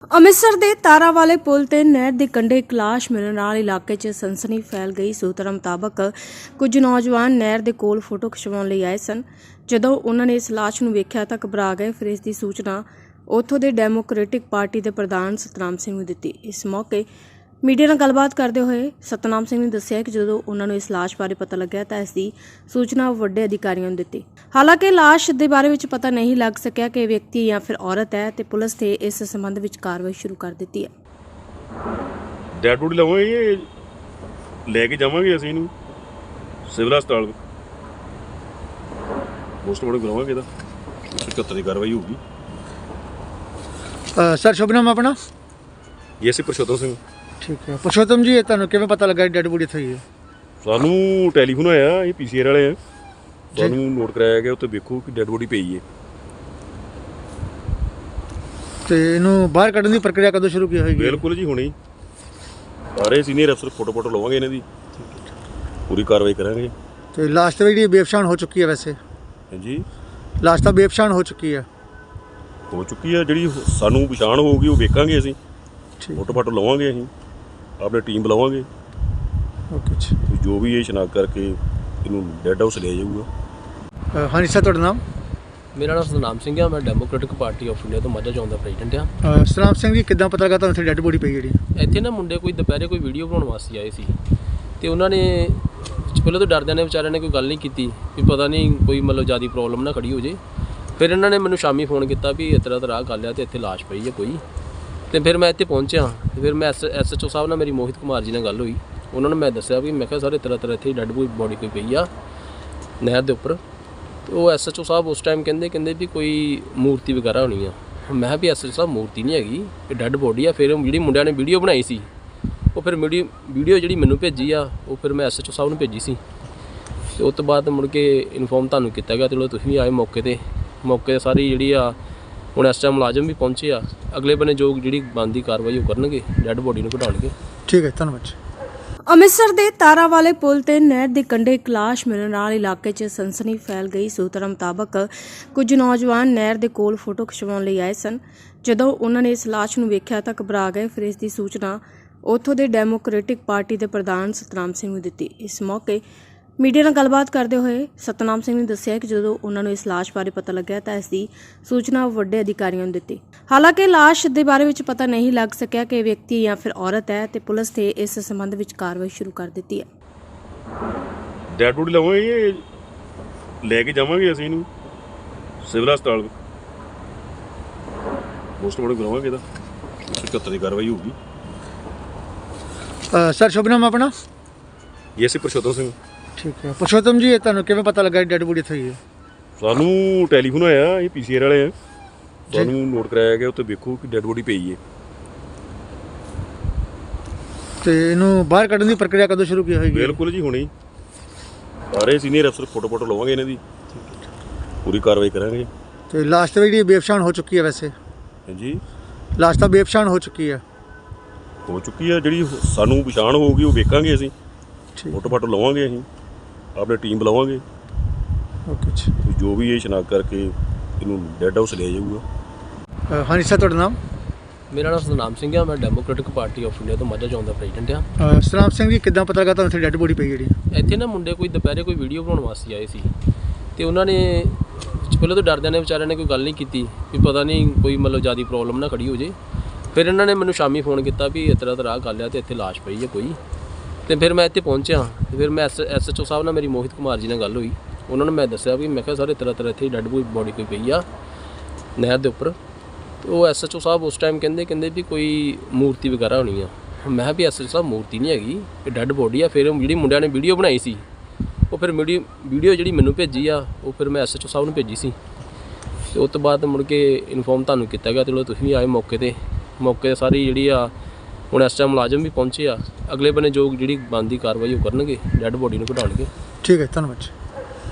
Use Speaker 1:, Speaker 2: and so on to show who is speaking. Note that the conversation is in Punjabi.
Speaker 1: ਅੰਮ੍ਰਿਤਸਰ ਦੇ ਤਾਰਾਵਾਲੇ ਪੁਲ ਤੇ ਨਹਿਰ ਦੇ ਕੰਢੇ ਇੱਕ ਲਾਸ਼ ਮਿਲਣ ਨਾਲ ਇਲਾਕੇ 'ਚ ਸਨਸਨੀ ਫੈਲ ਗਈ। ਸੂਤਰਾਂ ਮੁਤਾਬਕ ਕੁਝ ਨੌਜਵਾਨ ਨਹਿਰ ਦੇ ਕੋਲ ਫੋਟੋ ਖਿਚਵਾਉਣ ਲਈ ਆਏ ਸਨ। ਜਦੋਂ ਉਹਨਾਂ ਨੇ ਇਸ ਲਾਸ਼ ਨੂੰ ਵੇਖਿਆ ਤਾਂ ਘਬਰਾ ਗਏ। ਫਿਰ ਇਸ ਦੀ ਸੂਚਨਾ ਉੱਥੋਂ ਦੇ ਡੈਮੋਕ੍ਰੈਟਿਕ ਪਾਰਟੀ ਦੇ ਪ੍ਰਧਾਨ ਸਤਨਾਮ ਸਿੰਘ ਨੂੰ ਦਿੱਤੀ। ਇਸ ਮੌਕੇ ਮੀਡੀਆ ਨਾਲ ਗੱਲਬਾਤ ਕਰਦੇ ਹੋਏ ਸਤਨਾਮ ਸਿੰਘ ਨੇ ਦੱਸਿਆ ਕਿ ਜਦੋਂ ਉਹਨਾਂ ਨੂੰ ਇਸ ਲਾਸ਼ ਬਾਰੇ ਪਤਾ ਲੱਗਿਆ ਤਾਂ ਇਸ ਦੀ ਸੂਚਨਾ ਵੱਡੇ ਅਧਿਕਾਰੀਆਂ ਨੂੰ ਦਿੱਤੀ। ਹਾਲਾਂਕਿ ਲਾਸ਼ ਦੇ ਬਾਰੇ ਵਿੱਚ ਪਤਾ ਨਹੀਂ ਲੱਗ ਸਕਿਆ ਕਿ ਇਹ ਵਿਅਕਤੀ ਜਾਂ ਫਿਰ ਔਰਤ ਹੈ ਤੇ ਪੁਲਿਸ ਨੇ ਇਸ ਸੰਬੰਧ ਵਿੱਚ ਕਾਰਵਾਈ ਸ਼ੁਰੂ ਕਰ ਦਿੱਤੀ ਹੈ।
Speaker 2: ਡੈਡ ਬੋਡੀ ਲਵਾਂਗੇ, ਲੈ ਕੇ ਜਾਵਾਂਗੇ ਅਸੀਂ ਇਹਨੂੰ ਸਿਵਲ ਹਸਪਤਾਲ ਪੋਸਟਮਾਰਟਮ ਕਰਾਵਾਂਗੇ। ਇਹਦਾ 174 ਦੀ ਕਾਰਵਾਈ ਹੋਊਗੀ।
Speaker 3: सर शुभ नाम अपना?
Speaker 2: ਇਹ ਸੀ ਪ੍ਰਸ਼ੋਤਮ ਸਿੰਘ।
Speaker 3: ठीक है पुरुषोत्तम जी, ਤੁਹਾਨੂੰ ਕਿਵੇਂ ਪਤਾ ਲੱਗਾ ਡੈਡ ਬੋਡੀ ਇੱਥੇ ਹੀ ਹੈ?
Speaker 2: ਸਾਨੂੰ ਟੈਲੀਫੋਨ ਆਇਆ, ਇਹ ਪੀਸੀਆਰ ਵਾਲੇ ਆ, ਸਾਨੂੰ ਨੋਟ ਕਰਾਇਆ ਗਿਆ ਉੱਥੇ ਵੇਖੋ ਕਿ ਡੈਡ ਬੋਡੀ ਪਈ ਹੈ।
Speaker 3: ਤੇ ਇਹਨੂੰ ਬਾਹਰ ਕੱਢਣ ਦੀ ਪ੍ਰਕਿਰਿਆ ਕਦੋਂ ਸ਼ੁਰੂ ਕੀ ਹੋਏਗੀ?
Speaker 2: ਬਿਲਕੁਲ ਜੀ, ਹੁਣੇ ਹੀ ਸਾਰੇ ਸੀਨੀਅਰ ਅਫਸਰ ਫੋਟੋ ਲਵਾਂਗੇ, ਇਹਨਾਂ ਦੀ ਪੂਰੀ ਕਾਰਵਾਈ ਕਰਾਂਗੇ।
Speaker 3: ਤੇ ਲਾਸ਼ ਤਾਂ ਜਿਹੜੀ ਬੇਪਛਾਣ ਹੋ ਚੁੱਕੀ ਹੈ, ਵੈਸੇ
Speaker 2: ਹਾਂਜੀ
Speaker 3: ਲਾਸ਼ ਤਾਂ ਬੇਪਛਾਣ ਹੋ ਚੁੱਕੀ ਹੈ।
Speaker 2: ਜਿਹੜੀ ਸਾਨੂੰ ਪਛਾਣ ਹੋਊਗੀ ਉਹ ਵੇਖਾਂਗੇ ਅਸੀਂ,
Speaker 3: ਠੀਕ
Speaker 2: ਫੋਟੋ ਲਵਾਂਗੇ, ਅਸੀਂ ਆਪਣੇ ਟੀਮ ਬੁਲਾਵਾਂਗੇ।
Speaker 3: ਓਕੇ ਜੀ,
Speaker 2: ਜੋ ਵੀ ਇਹ ਸ਼ਨਾਖਤ ਕਰਕੇ ਇਹਨੂੰ ਡੈਡ ਹਾਊਸ ਲਿਆ ਜਾਊਗਾ।
Speaker 3: ਹਾਂਜੀ ਸਰ, ਤੁਹਾਡਾ ਨਾਮ?
Speaker 4: ਮੇਰਾ ਨਾਮ ਸਤਨਾਮ ਸਿੰਘ ਆ, ਮੈਂ ਡੈਮੋਕ੍ਰੈਟਿਕ ਪਾਰਟੀ ਆਫ ਇੰਡੀਆ ਤੋਂ ਮਾਝਾ ਚੌਂਕ ਦਾ ਪ੍ਰੈਜ਼ੀਡੈਂਟ ਆ।
Speaker 3: ਸਤਨਾਮ ਸਿੰਘ ਜੀ, ਕਿੱਦਾਂ ਪਤਾ ਲੱਗਾ ਤੁਹਾਨੂੰ ਇੱਥੇ ਡੈਡ ਬੋਡੀ ਪਈ ਜਿਹੜੀ?
Speaker 4: ਇੱਥੇ ਨਾ ਮੁੰਡੇ ਕੋਈ ਦੁਪਹਿਰੇ ਕੋਈ ਵੀਡੀਓ ਬਣਾਉਣ ਵਾਸਤੇ ਆਏ ਸੀ ਤੇ ਉਹਨਾਂ ਨੇ ਪਹਿਲਾਂ ਤਾਂ ਡਰਦਿਆਂ ਨੇ ਵਿਚਾਰਿਆਂ ਨੇ ਕੋਈ ਗੱਲ ਨਹੀਂ ਕੀਤੀ ਵੀ ਪਤਾ ਨਹੀਂ ਕੋਈ ਮਤਲਬ ਜ਼ਿਆਦਾ ਪ੍ਰੋਬਲਮ ਨਾ ਖੜੀ ਹੋ ਜੇ। ਫਿਰ ਇਹਨਾਂ ਨੇ ਮੈਨੂੰ ਸ਼ਾਮੀ ਫੋਨ ਕੀਤਾ ਵੀ ਇਸ ਤਰ੍ਹਾਂ ਗੱਲ ਆ ਤੇ ਇੱਥੇ ਲਾਸ਼ ਪਈ ਹੈ ਕੋਈ। ਤੇ ਫਿਰ ਮੈਂ ਇੱਥੇ ਪਹੁੰਚਿਆ ਤੇ ਫਿਰ ਮੈਂ SHO ਸਾਹਿਬ ਨਾਲ ਮੇਰੀ ਮੋਹਿਤ ਕੁਮਾਰ ਜੀ ਨਾਲ ਗੱਲ ਹੋਈ। ਉਹਨਾਂ ਨੂੰ ਮੈਂ ਦੱਸਿਆ ਵੀ ਮੈਂ ਕਿਹਾ ਸਾਰੇ ਤਰ੍ਹਾਂ ਇੱਥੇ ਡੈਡ ਬੋਡੀ ਕੋਈ ਪਈ ਆ ਨਹਿਰ ਦੇ ਉੱਪਰ। ਤੇ ਉਹ SHO ਸਾਹਿਬ ਉਸ ਟਾਈਮ ਕਹਿੰਦੇ ਵੀ ਕੋਈ ਮੂਰਤੀ ਵਗੈਰਾ ਹੋਣੀ ਆ। ਮੈਂ ਕਿਹਾ ਵੀ SHO ਸਾਹਿਬ ਮੂਰਤੀ ਨਹੀਂ ਹੈਗੀ, ਇਹ ਡੈਡ ਬੋਡੀ ਆ। ਫਿਰ ਜਿਹੜੀ ਮੁੰਡਿਆਂ ਨੇ ਵੀਡੀਓ ਬਣਾਈ ਸੀ ਉਹ ਫਿਰ ਵੀਡੀਓ ਜਿਹੜੀ ਮੈਨੂੰ ਭੇਜੀ ਆ ਉਹ ਫਿਰ ਮੈਂ SHO ਸਾਹਿਬ ਨੂੰ ਭੇਜੀ ਸੀ। ਤੇ ਉਸ ਤੋਂ ਬਾਅਦ ਮੁੜ ਕੇ ਇਨਫੋਰਮ ਤੁਹਾਨੂੰ ਕੀਤਾ ਗਿਆ। ਚਲੋ ਤੁਸੀਂ ਵੀ ਆਏ ਮੌਕੇ 'ਤੇ ਸਾਰੀ ਜਿਹੜੀ ਆ ਹੁਣ ਇਸ ਟਾਈਮ ਮੁਲਾਜ਼ਮ ਵੀ ਪਹੁੰਚੇ ਆ। ਅਗਲੇ ਬੰਨੇ ਜੋ ਜਿਹੜੀ ਬਣਦੀ ਕਾਰਵਾਈ ਉਹ ਕਰਨਗੇ, ਡੈਡ ਬੋਡੀ ਨੂੰ ਘਟਾਉਣਗੇ।
Speaker 3: ਠੀਕ ਹੈ, ਧੰਨਵਾਦ ਜੀ।
Speaker 1: ਅੰਮ੍ਰਿਤਸਰ ਦੇ ਤਾਰਾਵਾਲੇ ਪੁਲ ਤੇ ਨਹਿਰ ਦੇ ਕੰਢੇ ਇੱਕ ਲਾਸ਼ ਮਿਲਣ ਨਾਲ ਇਲਾਕੇ 'ਚ ਸਨਸਨੀ ਫੈਲ ਗਈ। ਸੂਤਰਾਂ ਮੁਤਾਬਕ ਕੁਝ ਨੌਜਵਾਨ ਨਹਿਰ ਦੇ ਕੋਲ ਫੋਟੋ ਖਿਚਵਾਉਣ ਲਈ ਆਏ ਸਨ। ਜਦੋਂ ਉਹਨਾਂ ਨੇ ਇਸ ਲਾਸ਼ ਨੂੰ ਵੇਖਿਆ ਤਾਂ ਘਬਰਾ ਗਏ। ਫਿਰ ਇਸ ਦੀ ਸੂਚਨਾ ਉੱਥੋਂ ਦੇ ਡੈਮੋਕ੍ਰੈਟਿਕ ਪਾਰਟੀ ਦੇ ਪ੍ਰਧਾਨ ਸਤਨਾਮ ਸਿੰਘ ਨੂੰ ਦਿੱਤੀ। ਇਸ ਮੌਕੇ ਮੀਡੀਆ ਨਾਲ ਗੱਲਬਾਤ ਕਰਦੇ ਹੋਏ ਸਤਨਾਮ ਸਿੰਘ ਨੇ ਦੱਸਿਆ ਕਿ ਜਦੋਂ ਉਹਨਾਂ ਨੂੰ ਇਸ ਲਾਸ਼ ਬਾਰੇ ਪਤਾ ਲੱਗਿਆ ਤਾਂ ਇਸ ਦੀ ਸੂਚਨਾ ਵੱਡੇ ਅਧਿਕਾਰੀਆਂ ਨੂੰ ਦਿੱਤੀ। ਹਾਲਾਂਕਿ ਲਾਸ਼ ਦੇ ਬਾਰੇ ਵਿੱਚ ਪਤਾ ਨਹੀਂ ਲੱਗ ਸਕਿਆ ਕਿ ਇਹ ਵਿਅਕਤੀ ਜਾਂ ਫਿਰ ਔਰਤ ਹੈ ਤੇ ਪੁਲਿਸ ਨੇ ਇਸ ਸੰਬੰਧ ਵਿੱਚ ਕਾਰਵਾਈ ਸ਼ੁਰੂ ਕਰ ਦਿੱਤੀ ਹੈ।
Speaker 2: ਡੈਡ ਬੋਡੀ ਲਵਾਂਗੇ, ਲੈ ਕੇ ਜਾਵਾਂਗੇ ਅਸੀਂ ਇਹਨੂੰ ਸਿਵਲ ਹਸਪਤਾਲ ਪੋਸਟਮਾਰਟਮ ਕਰਾਵਾਂਗੇ। ਇਹਦਾ 174 ਦੀ ਕਾਰਵਾਈ ਹੋਊਗੀ।
Speaker 3: ਸਰ ਸ਼ੁਭ ਨਾਮ ਆਪਣਾ?
Speaker 2: ਇਹ ਸੀ ਪ੍ਰਸ਼ੋਤਮ ਸਿੰਘ।
Speaker 3: ਠੀਕ ਹੈ ਪੁਰਸ਼ੋਤਮ ਜੀ, ਤੁਹਾਨੂੰ ਕਿਵੇਂ ਪਤਾ ਲੱਗਾ ਡੈਡ ਬੋਡੀ ਇੱਥੇ ਹੀ ਹੈ?
Speaker 2: ਸਾਨੂੰ ਟੈਲੀਫੋਨ ਆਇਆ, ਇਹ ਪੀਸੀਆਰ ਵਾਲੇ ਆ, ਸਾਨੂੰ ਨੋਟ ਕਰਾਇਆ ਗਿਆ ਉੱਥੇ ਵੇਖੋ ਕਿ ਡੈਡ ਬੋਡੀ ਪਈ ਹੈ।
Speaker 3: ਤੇ ਇਹਨੂੰ ਬਾਹਰ ਕੱਢਣ ਦੀ ਪ੍ਰਕਿਰਿਆ ਕਦੋਂ ਸ਼ੁਰੂ ਕੀ ਹੋਏਗੀ?
Speaker 2: ਬਿਲਕੁਲ ਜੀ, ਹੁਣੇ ਹੀ ਸਾਰੇ ਸੀਨੀਅਰ ਅਫਸਰ ਫੋਟੋ ਲਵਾਂਗੇ, ਇਹਨਾਂ ਦੀ ਪੂਰੀ ਕਾਰਵਾਈ ਕਰਾਂਗੇ।
Speaker 3: ਤੇ ਲਾਸ਼ ਤਾਂ ਜਿਹੜੀ ਬੇਪਛਾਣ ਹੋ ਚੁੱਕੀ ਹੈ, ਵੈਸੇ
Speaker 2: ਹਾਂਜੀ
Speaker 3: ਲਾਸ਼ ਤਾਂ ਬੇਪਛਾਣ ਹੋ ਚੁੱਕੀ ਹੈ।
Speaker 2: ਜਿਹੜੀ ਸਾਨੂੰ ਪਛਾਣ ਹੋਊਗੀ ਉਹ ਵੇਖਾਂਗੇ ਅਸੀਂ,
Speaker 3: ਠੀਕ
Speaker 2: ਫੋਟੋ ਲਵਾਂਗੇ, ਅਸੀਂ ਆਪਣੇ ਟੀਮ ਬੁਲਾਵਾਂਗੇ।
Speaker 3: ਓਕੇ ਜੀ,
Speaker 2: ਜੋ ਵੀ ਇਹ ਸ਼ਨਾਖਤ ਕਰਕੇ ਇਹਨੂੰ ਡੈਡ ਹਾਊਸ ਲਿਆ ਜਾਊਗਾ।
Speaker 3: ਹਾਂਜੀ ਸਰ, ਤੁਹਾਡਾ ਨਾਮ?
Speaker 4: ਮੇਰਾ ਨਾਮ ਸਤਨਾਮ ਸਿੰਘ ਆ, ਮੈਂ ਡੈਮੋਕ੍ਰੈਟਿਕ ਪਾਰਟੀ ਆਫ ਇੰਡੀਆ ਤੋਂ ਮਾਝਾ ਚੌਂਕ ਦਾ ਪ੍ਰੈਜ਼ੀਡੈਂਟ ਆ।
Speaker 3: ਸਤਨਾਮ ਸਿੰਘ ਜੀ, ਕਿੱਦਾਂ ਪਤਾ ਲੱਗਾ ਤੁਹਾਨੂੰ ਇੱਥੇ ਡੈਡ ਬੋਡੀ ਪਈ ਜਿਹੜੀ?
Speaker 4: ਇੱਥੇ ਨਾ ਮੁੰਡੇ ਕੋਈ ਦੁਪਹਿਰੇ ਕੋਈ ਵੀਡੀਓ ਬਣਾਉਣ ਵਾਸਤੇ ਆਏ ਸੀ ਤੇ ਉਹਨਾਂ ਨੇ ਪਹਿਲਾਂ ਤਾਂ ਡਰਦਿਆਂ ਨੇ ਵਿਚਾਰਿਆਂ ਨੇ ਕੋਈ ਗੱਲ ਨਹੀਂ ਕੀਤੀ ਵੀ ਪਤਾ ਨਹੀਂ ਕੋਈ ਮਤਲਬ ਜ਼ਿਆਦਾ ਪ੍ਰੋਬਲਮ ਨਾ ਖੜੀ ਹੋ ਜੇ। ਫਿਰ ਇਹਨਾਂ ਨੇ ਮੈਨੂੰ ਸ਼ਾਮੀ ਫੋਨ ਕੀਤਾ ਵੀ ਇਸ ਤਰ੍ਹਾਂ ਗੱਲ ਆ ਤੇ ਇੱਥੇ ਲਾਸ਼ ਪਈ ਹੈ ਕੋਈ। ਤੇ ਫਿਰ ਮੈਂ ਇੱਥੇ ਪਹੁੰਚਿਆ ਤੇ ਫਿਰ ਮੈਂ SHO ਸਾਹਿਬ ਨਾਲ ਮੇਰੀ ਮੋਹਿਤ ਕੁਮਾਰ ਜੀ ਨਾਲ ਗੱਲ ਹੋਈ। ਉਹਨਾਂ ਨੂੰ ਮੈਂ ਦੱਸਿਆ ਵੀ ਮੈਂ ਕਿਹਾ ਸਾਰੇ ਤਰ੍ਹਾਂ ਇੱਥੇ ਡੈਡ ਬੋਡੀ ਕੋਈ ਪਈ ਆ ਨਹਿਰ ਦੇ ਉੱਪਰ। ਤੇ ਉਹ SHO ਸਾਹਿਬ ਉਸ ਟਾਈਮ ਕਹਿੰਦੇ ਵੀ ਕੋਈ ਮੂਰਤੀ ਵਗੈਰਾ ਹੋਣੀ ਆ। ਮੈਂ ਕਿਹਾ ਵੀ SHO ਸਾਹਿਬ ਮੂਰਤੀ ਨਹੀਂ ਹੈਗੀ, ਇਹ ਡੈਡ ਬੋਡੀ ਆ। ਫਿਰ ਜਿਹੜੀ ਮੁੰਡਿਆਂ ਨੇ ਵੀਡੀਓ ਬਣਾਈ ਸੀ ਉਹ ਫਿਰ ਵੀਡੀਓ ਜਿਹੜੀ ਮੈਨੂੰ ਭੇਜੀ ਆ ਉਹ ਫਿਰ ਮੈਂ SHO ਸਾਹਿਬ ਨੂੰ ਭੇਜੀ ਸੀ। ਤੇ ਉਸ ਤੋਂ ਬਾਅਦ ਮੁੜ ਕੇ ਇਨਫੋਰਮ ਤੁਹਾਨੂੰ ਕੀਤਾ ਗਿਆ। ਚਲੋ ਤੁਸੀਂ ਵੀ ਆਏ ਮੌਕੇ 'ਤੇ ਸਾਰੀ ਜਿਹੜੀ ਆ ਹੁਣ ਇਸ ਟਾਈਮ ਮੁਲਾਜ਼ਮ ਵੀ ਪਹੁੰਚੇ ਆ। ਅਗਲੇ ਬੰਨੇ ਜੋ ਜਿਹੜੀ ਬਣਦੀ ਕਾਰਵਾਈ ਉਹ ਕਰਨਗੇ, ਡੈਡ ਬੋਡੀ ਨੂੰ ਘਟਾਉਣਗੇ।
Speaker 3: ਠੀਕ ਹੈ, ਧੰਨਵਾਦ ਜੀ।